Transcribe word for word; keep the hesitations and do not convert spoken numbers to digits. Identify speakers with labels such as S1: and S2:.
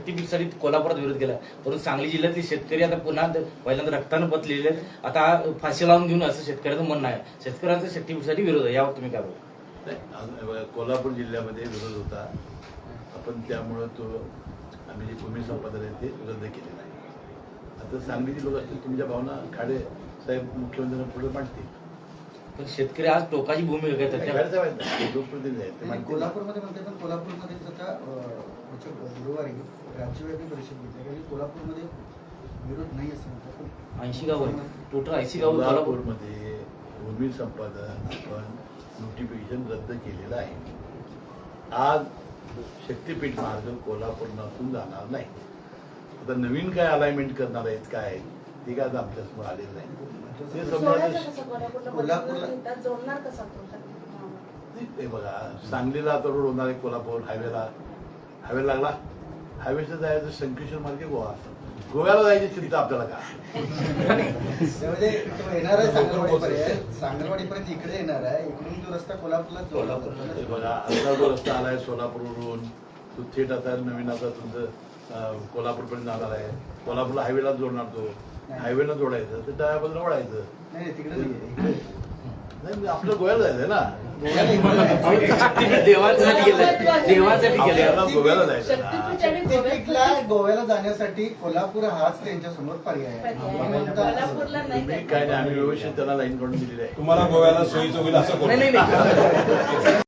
S1: साठी कोल्हापुरात विरोध केला, परंतु सांगली जिल्ह्यातले शेतकरी आता पुन्हा पहिल्यांदा रक्तानं पतलेले आहेत. आता फाशी लावून घेऊन असं शेतकऱ्याचं म्हणणं आहे. शेतकऱ्यांचा शेतीसाठी विरोध आहे, यावर तुम्ही काय बोलता?
S2: कोल्हापूर जिल्ह्यामध्ये विरोध होता, आपण त्यामुळं तो आम्ही जे भूमी संपादन आहे ते रद्द केलेलं आहे. आता सांगलीचे लोक असतील, तुमच्या भावना खाडे साहेब मुख्यमंत्र्यांना पुढे मांडतील.
S1: पण शेतकरी आज टोकाची भूमी घेतात,
S2: लोकप्रतिनिधी आहेत.
S3: कोल्हापूरमध्ये म्हणते, पण कोल्हापूरमध्येच आता गुरुवारी राज्यव्यापी परिषद घेतली आणि कोल्हापूरमध्ये विरोध नाही असं म्हणतात.
S1: ऐंशी गाव टोटल ऐंशी गाव
S2: कोल्हापूरमध्ये भूमी संपादन आपण नोटिफिकेशन रद्द केलेलं आहे. आज शक्तीपीठ मार्ग कोल्हापूरमधून जाणार नाही. आता नवीन काय अलाइनमेंट करणार आहेत काय ते काय आमच्यासमोर आलेलं नाही. ते
S3: कोल्हापूरला
S2: ते बघा, सांगलीला आता रोड होणार आहे, कोल्हापूर हायवेला हायवे लागला, हायवेचं जायचं शंकेश्वर मार्गे गोवा, गोव्याला जायची चिंता आपल्याला का?
S3: येणार आहे सांगलवाडीपर्यंत, सांगलवाडीपर्यंत इकडे येणार आहे. इकडून जो रस्ता कोल्हापूरला जोडला
S2: बघा, आता जो रस्ता आलाय सोलापूरवरून तो थेट आता नवीन आता तुमचं कोल्हापूरपर्यंत जाणार आहे. कोल्हापूरला हायवेला जोडणार, तो हायवेला जोडायचं तर त्या बाजूला वळायचं.
S3: नाही तिकडे नाही,
S2: आपलं गोव्याला जायचंय ना,
S1: देवांसाठी केलं, देवांसाठी केलं.
S2: गोव्याला जायचं.
S3: गोव्याला जाण्यासाठी कोल्हापूर हाच त्यांच्या समोर पर्याय आहे.
S2: काय नाही, आम्ही व्यवस्थित त्यांना लाईन काढून दिलेली आहे.
S4: तुम्हाला गोव्याला सोयीचं होईल असं
S1: नाही नाही